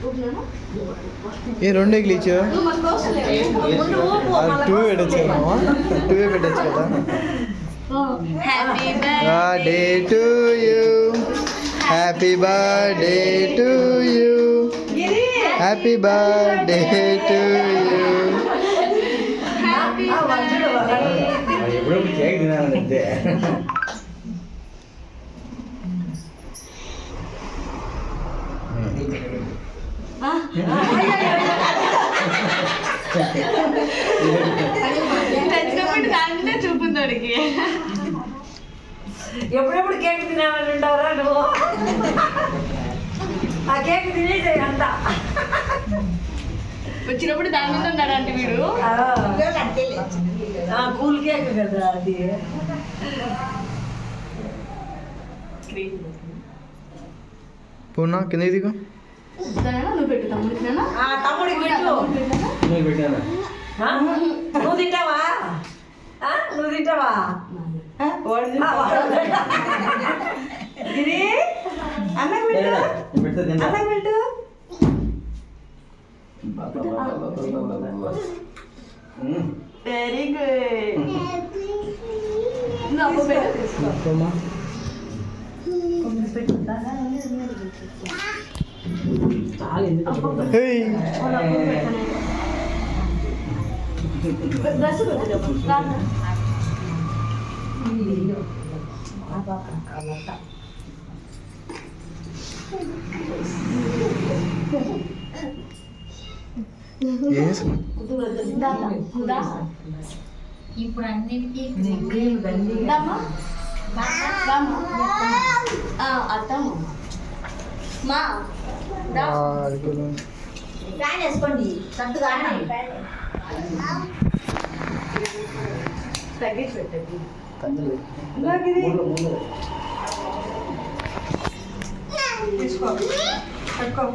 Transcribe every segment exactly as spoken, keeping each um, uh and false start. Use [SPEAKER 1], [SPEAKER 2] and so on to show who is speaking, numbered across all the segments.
[SPEAKER 1] ఏ రెండు ఎగ్లు ఇచ్చా టూ పెట్టచ్చు కదా టూ పెట్టచ్చు కదా. Birthday to you, happy birthday to you, happy birthday to you.
[SPEAKER 2] ఎప్పుడో కేక్ తినాలంటే
[SPEAKER 3] చూపుందడికి
[SPEAKER 4] ఎప్పుడెప్పుడు కేక్ తినాలని ఉండవరా నువ్వు? ఆ కేక్ తినేసే అంత
[SPEAKER 3] వచ్చినప్పుడు దాని మీద ఉన్నాడంటే వీడు
[SPEAKER 4] కూల్ కేక్ కదా అది.
[SPEAKER 1] పూర్ణ కింద దిగు.
[SPEAKER 3] నువ్వు పెట్టు తమ్ముడికి.
[SPEAKER 4] తమ్ముడికి పెట్టు. నువ్వు తింటావా? నువ్వు తింటావా? ఇది అన్న పెట్టు, అన్న పెట్టు.
[SPEAKER 3] Very good.
[SPEAKER 5] ఇప్పుడు అన్నిటికీ
[SPEAKER 3] అత్తమ్మ మా
[SPEAKER 5] ఫ్యాన్ వేసుకోండి సత్తుగా
[SPEAKER 3] తగ్గించి పెట్టండి.
[SPEAKER 4] తీసుకో పట్టుకో.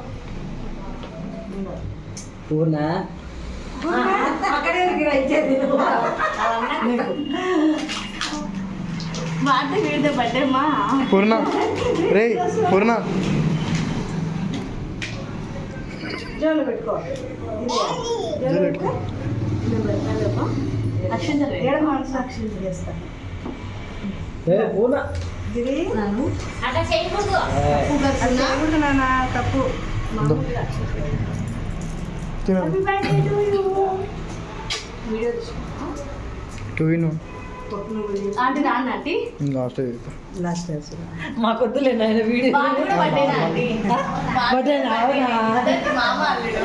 [SPEAKER 2] పూర్ణ
[SPEAKER 4] అక్కడే ఇచ్చేది
[SPEAKER 3] మాట వీడితే బర్త్డే మా
[SPEAKER 1] పూర్ణ రే పూర్ణ
[SPEAKER 4] జోలు పెట్టుకో. జోలు పెట్టుకో.
[SPEAKER 3] అక్షంతలు
[SPEAKER 4] ఏడ మనసు అక్షంతలు చేస్తా.
[SPEAKER 2] పూర్ణ
[SPEAKER 4] ఇది
[SPEAKER 5] అట్లా చేయకూడదు.
[SPEAKER 4] చేయకూడదు నాన్న, తప్పు. వీడియో
[SPEAKER 1] టూ ఇన్
[SPEAKER 3] ఆంటీ రాను ఆంటీ
[SPEAKER 1] లాస్ట్
[SPEAKER 4] లాస్ట్ మాకొద్దులే నాయన వీడియో.
[SPEAKER 3] బర్త్డేనా ఆంటీ?
[SPEAKER 4] బర్త్డేనా? అవునా?
[SPEAKER 3] మామ అల్లుడు.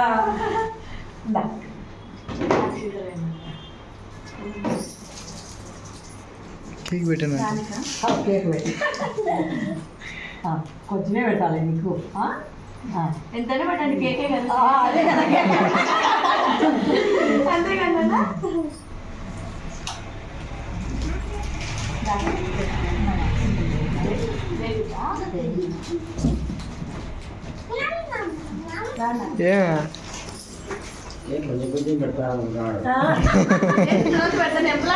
[SPEAKER 1] కేక్ పెట్టాను.
[SPEAKER 4] కేక్ పెట్టి కొంచెమే పెట్టాలి నీకు.
[SPEAKER 3] ఎంతనే పెట్టండి కేకే కదా.
[SPEAKER 4] అదే కదా
[SPEAKER 3] అంతే కదా.
[SPEAKER 1] ఏ
[SPEAKER 2] కొంచెం కొంచెం పెడతాను.
[SPEAKER 3] పెడతాను ఎప్పుడు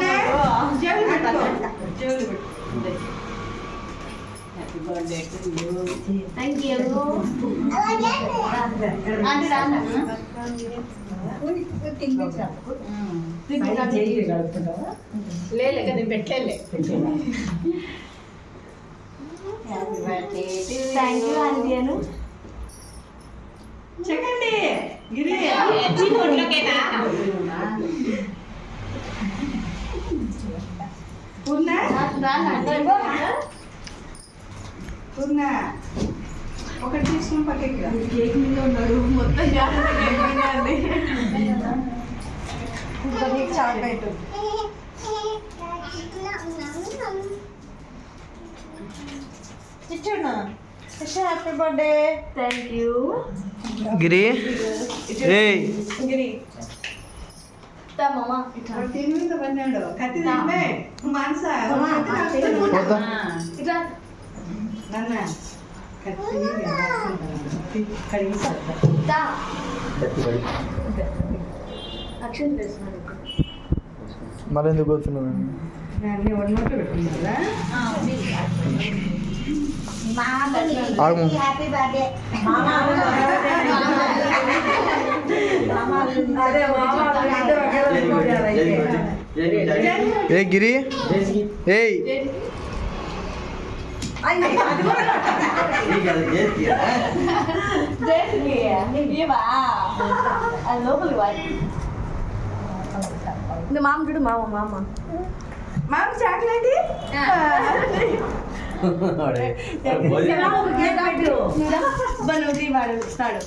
[SPEAKER 3] థ్యాంక్ యూ ఆంటీ రాను.
[SPEAKER 5] లేదు కదా పెట్టలే.
[SPEAKER 3] థ్యాంక్ యూ ఆంటీ అను.
[SPEAKER 4] చెక్కండి గిరి. పూర్ణ పూర్ణ ఒకటి తీసుకుని పక్కకి
[SPEAKER 3] కేక్ మీద ఉన్నాడు మొత్తం జాగ్రత్త కేక్ మీద అండి.
[SPEAKER 4] చాక్లెట్ ఇచ్చాడు. Happy birthday.
[SPEAKER 3] Thank you
[SPEAKER 1] Giri రే
[SPEAKER 4] గిరి
[SPEAKER 3] మామ
[SPEAKER 4] దీని మీద పడినాడు. కత్తి తింటే మానస
[SPEAKER 1] పోతా
[SPEAKER 3] ఇట్లా
[SPEAKER 4] నాన్న కత్తి కడిగి
[SPEAKER 3] అక్షన్ వేస్తున్నాడు.
[SPEAKER 1] మరి ఎందుకు పోతున్నాను?
[SPEAKER 4] అన్నీ ఉన్నట్టు పెట్టుకున్నారా?
[SPEAKER 1] ఆగము.
[SPEAKER 5] Happy birthday.
[SPEAKER 4] అదే మామ ఇద్దరు ఒకేలా కొట్టారు అయితే.
[SPEAKER 1] ఏ గిరి ఏయ్
[SPEAKER 4] అయ్యి, అది కూడా
[SPEAKER 3] అది లోపలికి వాడి ఇది మామ చూడు మామ మామ
[SPEAKER 4] మామ చాక్లెట్
[SPEAKER 3] వాడు ఇస్తాడు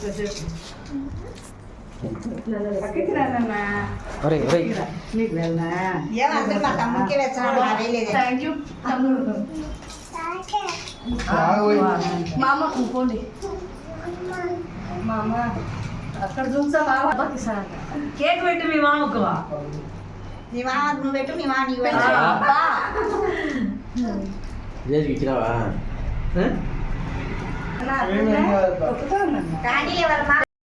[SPEAKER 4] పక్కకి రానన్నా
[SPEAKER 1] అరే అరే
[SPEAKER 4] నీకు వెళ్ళనా
[SPEAKER 5] ఏమందరూ మా తమ్ముడికి వచ్చాడు వేయలేదు
[SPEAKER 3] థ్యాంక్ యూ తమ్ముడు మామ పోండి
[SPEAKER 4] మామ అక్కడ చూసా మామ
[SPEAKER 3] అబ్బాకి ఇస్తాడంట
[SPEAKER 4] కేక్ పెట్టి మీ మామకు
[SPEAKER 5] నీ మామ నువ్వు పెట్టు నీ మామ నీకు పెట్టు
[SPEAKER 3] అబ్బా
[SPEAKER 2] జేజీకి ఇచ్చినావా
[SPEAKER 4] నా
[SPEAKER 1] ఏం ఏం కాదు.
[SPEAKER 4] ఒప్పుతా ఉన్నా
[SPEAKER 5] కానీ ఎవరు మా